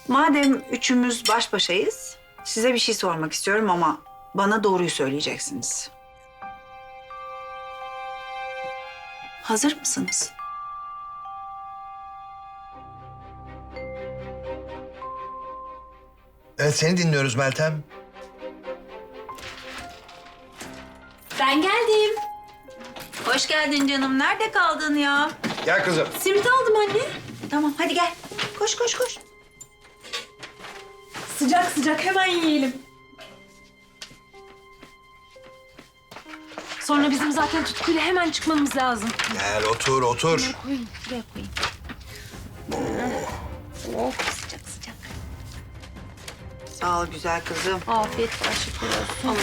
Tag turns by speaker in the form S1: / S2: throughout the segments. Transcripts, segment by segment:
S1: Madem üçümüz baş başayız, size bir şey sormak istiyorum ama bana doğruyu söyleyeceksiniz. Hazır mısınız?
S2: Evet, seni dinliyoruz Meltem.
S3: Ben geldim.
S1: Hoş geldin canım. Nerede kaldın ya?
S2: Gel kızım.
S3: Simit aldım anne.
S1: Tamam, hadi gel. Koş, koş, koş.
S3: Sıcak sıcak hemen yiyelim. Sonra bizim zaten tutkuyla hemen çıkmamız lazım.
S2: Gel otur, otur.
S3: Koyun, şuraya koyayım. Oh, sıcak sıcak.
S1: Sağ ol güzel kızım.
S3: Afiyet var, şükür olsun.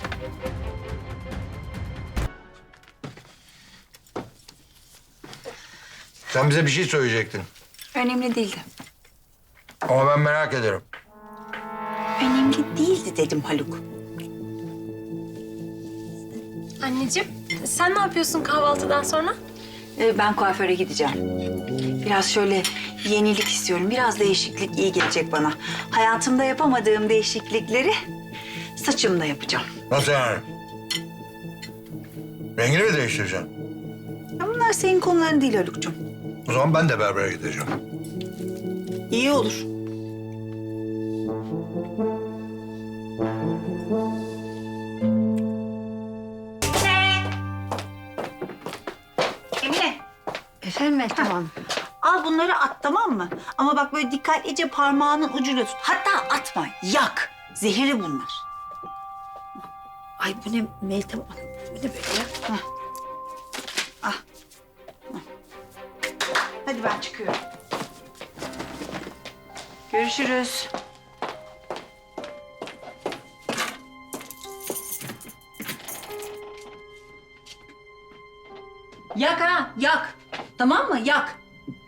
S2: Sen bize bir şey söyleyecektin.
S1: Önemli değildi.
S2: Ama ben merak ederim.
S1: Önemli değildi dedim Haluk.
S3: Anneciğim, sen ne yapıyorsun kahvaltıdan sonra?
S1: Ben kuaföre gideceğim. Biraz şöyle yenilik istiyorum. Biraz değişiklik iyi gelecek bana. Hayatımda yapamadığım değişiklikleri saçımda yapacağım.
S2: Nasıl yani? Rengini mi değiştireceksin?
S1: Ya bunlar senin konuların değil Haluk'cum.
S2: O zaman ben de berbere gideceğim.
S1: İyi olur. Emine.
S4: Efendim Meltem Hanım?
S1: Al bunları at, tamam mı? Ama bak böyle dikkatlice parmağının ucuyla tut. Hatta atma, yak. Zehirli bunlar.
S4: Ay bu ne Meltem Hanım? Bu ne böyle ya?
S1: Hadi ben çıkıyorum. Görüşürüz. Yak ha, yak. Tamam mı? Yak.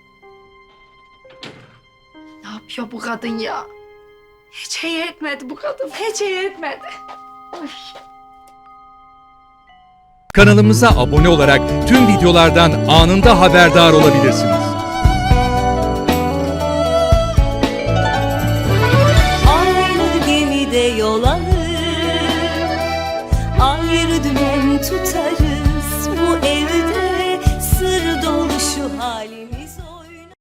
S4: Ne yapıyor bu kadın ya? Hiç iyi etmedi bu kadın. Hiç iyi etmedi. Ay.
S5: Kanalımıza abone olarak tüm videolardan anında haberdar olabilirsiniz.
S6: Aynı gemide yol alır, ayrı dümen tutarız.